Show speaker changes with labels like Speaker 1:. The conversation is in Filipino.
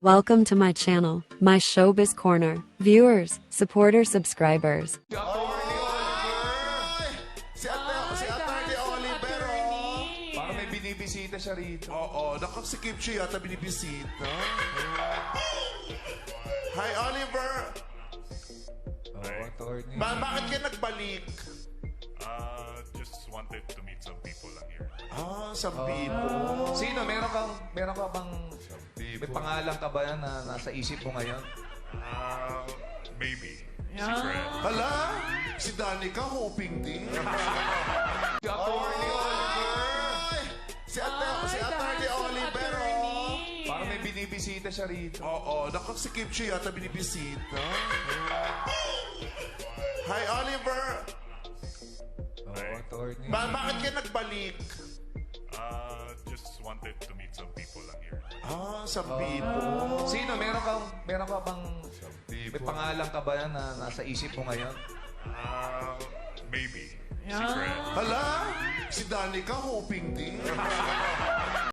Speaker 1: Welcome to my channel, my Showbiz Corner. Viewers, supporters, subscribers.
Speaker 2: Si Atty. Oliver, oh.
Speaker 3: Parang may binibisita siya rito.
Speaker 2: Oo, nakasikip siya yata binibisita. Hi, Oliver.
Speaker 3: Attorney.
Speaker 2: Bakit ka nagbalik?
Speaker 4: Just wanted to meet some people lang here.
Speaker 2: Some people.
Speaker 3: Sino? Meron ka bang may pangalan ka ba yan na nasa isip mo ngayon?
Speaker 4: Maybe. Secret.
Speaker 2: Hala, si Danica hoping din.
Speaker 3: Si Attorney
Speaker 2: Si Atty. Oliver, oh.
Speaker 3: Parang may binibisita siya rito.
Speaker 2: Oo, nakasikip siya yata binibisita. Hi, Oliver.
Speaker 3: Attorney.
Speaker 2: Bakit ka nagbalik?
Speaker 4: Just wanted to meet some people lang here.
Speaker 2: Some people.
Speaker 3: Sino? Meron ka bang may pangalan ka ba yan na nasa isip mo ngayon?
Speaker 4: Maybe. Secret.
Speaker 2: Hala, si Danica hoping din.